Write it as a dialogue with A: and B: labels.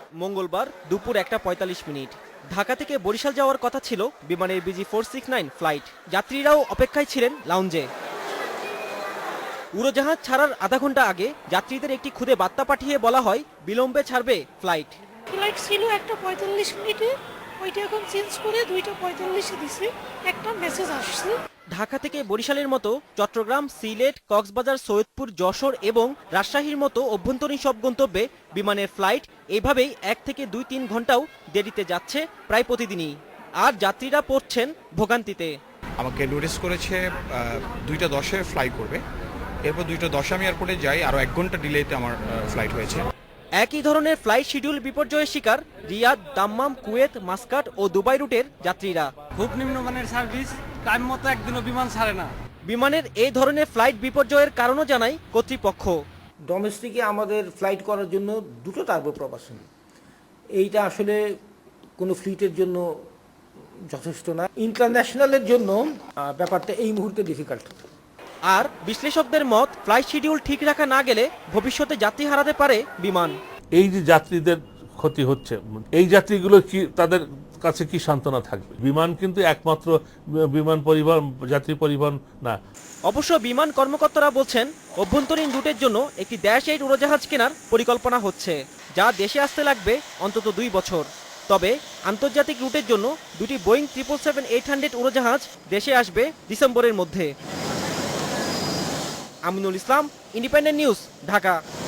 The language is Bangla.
A: মঙ্গলবার দুপুর 1:45। ঢাকা থেকে বরিশাল যাওয়ার কথা ছিল বিমানের BG469 ফ্লাইট। যাত্রীরাও অপেক্ষায় ছিলেন লাউঞ্জে। উড়োজাহাজ ছাড়ার আধা ঘন্টা আগে যাত্রীদের একটি খুদে বার্তা পাঠিয়ে বলা হয় বিলম্বে ছাড়বে ফ্লাইট।
B: ফ্লাইট ছিল 1:45, ওইটা এখন চেঞ্জ করে 2:45 দিছে। একটা মেসেজ আসছে।
A: ঢাকা থেকে বরিশালের মতো চট্টগ্রাম, সিলেট, কক্সবাজার, সৈয়দপুর, যশোর এবং রাজশাহীর মতো অভ্যন্তরীণ সব গন্তব্যে বিমানের ফ্লাইট এভাবেই 1 থেকে 2-3 ঘন্টাও দেরিতে যাচ্ছে প্রায় প্রতিদিনই। আর যাত্রীরা পড়ছেন ভোগান্তিতে।
C: আমাকে নোটিস করেছে 2:10-এ ফ্লাই করবে, এরপর 2:10 আমি এয়ারপোর্টে যাই, আরও 1 ঘন্টা ডিলেতে আমার ফ্লাইট হয়েছে।
A: একই ধরনের ফ্লাইট শিডিউল বিপর্যয়ের শিকার রিয়াদ, দাম্মাম, কুয়েত, মাস্কাট ও দুবাই রুটের যাত্রীরা।
D: খুব নিম্নমানের সার্ভিস, টাইম মতো একদিনও বিমান ছাড়ে না।
A: বিমানের এই ধরনের ফ্লাইট বিপর্যয়ের কারণও জানায় কর্তৃপক্ষ।
E: ডোমেস্টিকে আমাদের ফ্লাইট করার জন্য 2টো টার্বোপ্রপালশন, এইটা আসলে কোনো ফ্লিটের জন্য যথেষ্ট না। ইন্টারন্যাশনালের জন্য ব্যাপারটা এই মুহূর্তে ডিফিকাল্ট।
A: আর বিশ্লেষকদের মত, ফ্লাইট শিডিউল ঠিক রাখা না গেলে ভবিষ্যতে যাত্রী হারাতে পারে বিমান।
F: এই যে যাত্রীদের ক্ষতি হচ্ছে, এই যাত্রীগুলো কি তাদের কাছে কি সান্ত্বনা থাকবে? বিমান কিন্তু একমাত্র বিমান পরিবহন, যাত্রী পরিবহন না।
A: অবশ্য বিমান কর্মকর্তারা বলছেন অভ্যন্তরীণ রুটের জন্য একটি -8 উড়োজাহাজ কেনার পরিকল্পনা হচ্ছে, যা দেশে আসতে লাগবে অন্তত 2 বছর। তবে আন্তর্জাতিক রুটের জন্য দুটি বোয়িং 777-800 উড়োজাহাজ দেশে আসবে ডিসেম্বরের মধ্যে। Aminul Islam, independent news, Dhaka.